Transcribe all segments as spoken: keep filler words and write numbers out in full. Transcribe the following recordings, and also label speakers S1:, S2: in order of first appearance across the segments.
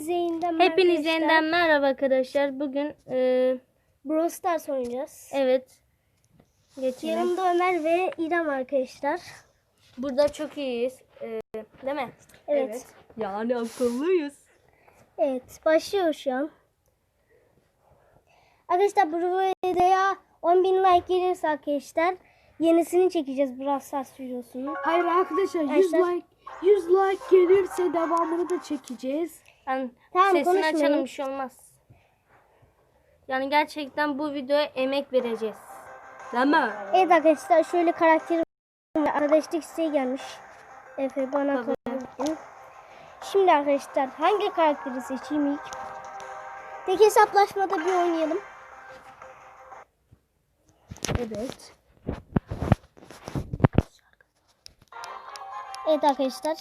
S1: Hepinize yeniden merhaba.
S2: Hepinize yeniden merhaba arkadaşlar. Bugün e,
S1: Brawl Stars oynayacağız.
S2: evet. Geçelim.
S1: Yanımda Ömer ve İrem arkadaşlar.
S2: Burada çok iyiyiz. E, değil mi?
S1: Evet. Evet.
S2: Yani akıllıyız.
S1: Evet. Başlıyor şu an. Arkadaşlar bu videoya on bin like gelirse arkadaşlar yenisini çekeceğiz Brawl Stars videosunu.
S3: Hayır arkadaşlar yüz like yüz like gelirse devamını da çekeceğiz.
S2: Yani
S1: Tamam,
S2: sesini
S1: konuşmayın.
S2: açalım, bir şey olmaz. Yani gerçekten bu videoya emek vereceğiz. Değil mi?
S1: Evet arkadaşlar şöyle karakterim arkadaşlık isteği gelmiş. Efe bana
S2: Tabii.
S1: kabul. Şimdi arkadaşlar hangi karakteri seçeyim ilk? Tek hesaplaşmada bir oynayalım.
S3: Evet.
S1: Evet arkadaşlar.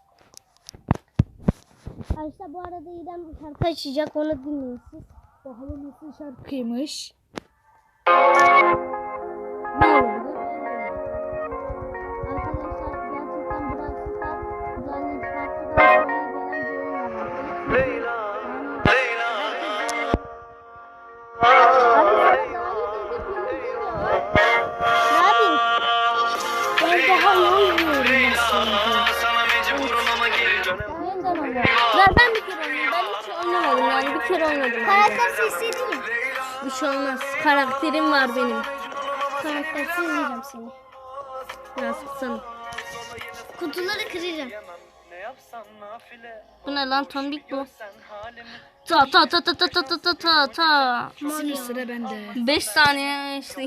S1: Arkadaşlar bu arada İrem şarkı açacak, onu dinleyin siz.
S3: Bakalım nasıl şarkıymış.
S2: Ne oldu?
S1: Arkadaşlar gerçekten burası da yani farklı da gelen bir oyun oldu.
S4: Leyla, Leyla.
S1: Ne yapayım? Ben daha iyi oynuyorum aslında.
S4: Sana mecburum ama geri dönemem.
S1: Yeniden oynuyorum.
S2: Ben, ben bir kere oynadım. Ben hiç oynamadım yani. Bir kere oynadım.
S1: Karakter sesleri mi?
S2: Bir şey olmaz. Karakterim var benim.
S1: Karaktersiz yiyeceğim seni.
S2: Biraz kısalım.
S1: Kutuları kıracağım.
S4: Ne yapsam nafile.
S2: Bu ne lan, tombik bu.
S4: Sen halimi.
S2: Ta ta ta ta ta ta ta ta ta ta.
S3: Şimdi sıra bende.
S2: beş saniye işte.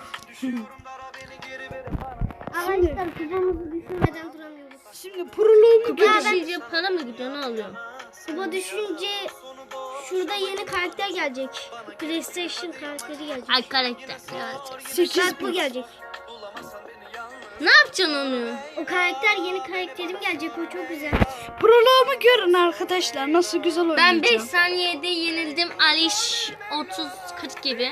S1: Arkadaşlar kupamızı düşürmeden duramıyoruz.
S3: Şimdi proloğumu
S2: Kupa düşünce para mı gidiyor, ne oluyor?
S1: Kupa düşünce şurada yeni karakter gelecek. PlayStation karakteri gelecek.
S2: Ay karakter. Evet.
S3: sekiz
S1: Bak bu gelecek.
S2: Ne yapacaksın onu?
S1: O karakter yeni karakterim gelecek, o çok güzel.
S3: proloğumu görün arkadaşlar nasıl güzel oynayacağım.
S2: Ben beş saniyede yenildim. Aliş otuz kırk gibi.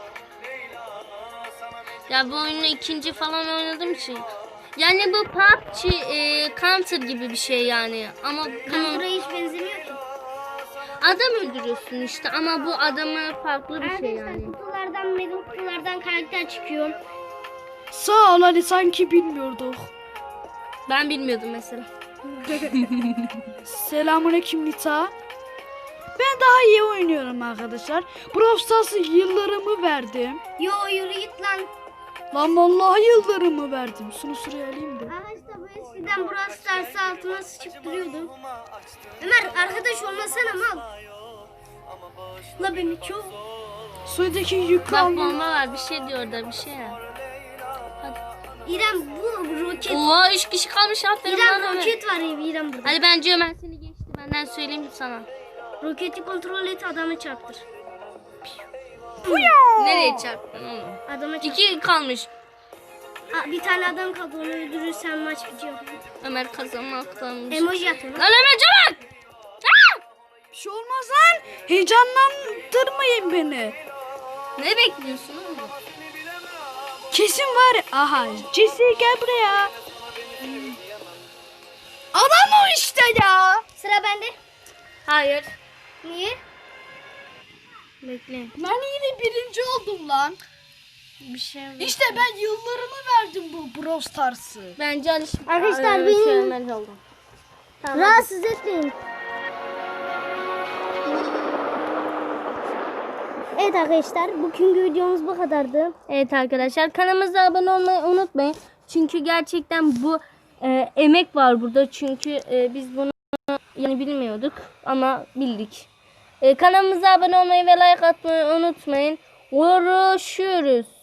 S2: Ya bu oyunu ikinci falan oynadım için. Yani bu P U B G e, Counter gibi bir şey yani. Ama bunun
S1: Counter'a hiç benzemiyor ki.
S2: adam öldürüyorsun işte, ama bu adamı farklı bir şey
S1: Arkadaşlar
S2: yani.
S1: kutulardan, mega kutulardan karakter çıkıyor.
S3: Sağ ol Ali, sanki bilmiyorduk.
S2: Ben bilmiyordum mesela.
S3: Selamünaleyküm Nita. Ben daha iyi oynuyorum arkadaşlar. Brawl Stars'a yıllarımı verdim.
S1: Yo yürü git lan.
S3: Lan vallahi yıllarımı verdim. Şunu sıraya alayım da.
S1: Arkadaşlar bu eskiden Brawl Stars'ı altına sıçıp duruyordu. Ömer arkadaş olmasana mal. La beni çok.
S3: Sudaki yük
S2: Bak
S3: al.
S2: bomba var, bir şey diyor da bir şey ya.
S1: İrem bu roket.
S2: Oo, üç kişi kalmış, aferin
S1: İrem
S2: lan Ömer.
S1: roket var ya İrem burada.
S2: Hadi bence Ömer seni geçti, benden söyleyeyim sana.
S1: Roketi kontrol et, adamı çarptır.
S2: Nereye çarptın oğlum?
S1: Adama çarptır.
S2: İki kalmış.
S1: Aa, bir tane adam kaldı, onu öldürürsen maç bitiyor.
S2: Ömer kazanmaktanmış.
S1: Emoji atın.
S2: Lan Ömer çabuk! Ah!
S3: Bir şey olmaz lan. Heyecanlandırmayın beni.
S2: Ne bekliyorsun oğlum?
S3: Kesin var. ya- Aha. Jesse gel buraya. Adam o işte ya.
S1: Sıra bende.
S2: Hayır.
S1: Niye?
S2: Bekle.
S3: Ben yine birinci oldum lan.
S2: Bir şey yok.
S3: İşte ben yıllarımı verdim bu Brawl Stars'ı.
S2: Bence Aliş...
S1: Arkadaşlar,
S2: Ee,
S1: benim-
S2: şey, Ömer oldu. Tamam.
S1: Rahatsız etmeyin. Evet arkadaşlar, bugünkü videomuz bu kadardı.
S2: Evet arkadaşlar, kanalımıza abone olmayı unutmayın. Çünkü gerçekten bu e, emek var burada. Çünkü e, biz bunu yani bilmiyorduk ama bildik. E, kanalımıza abone olmayı ve like atmayı unutmayın. Görüşürüz.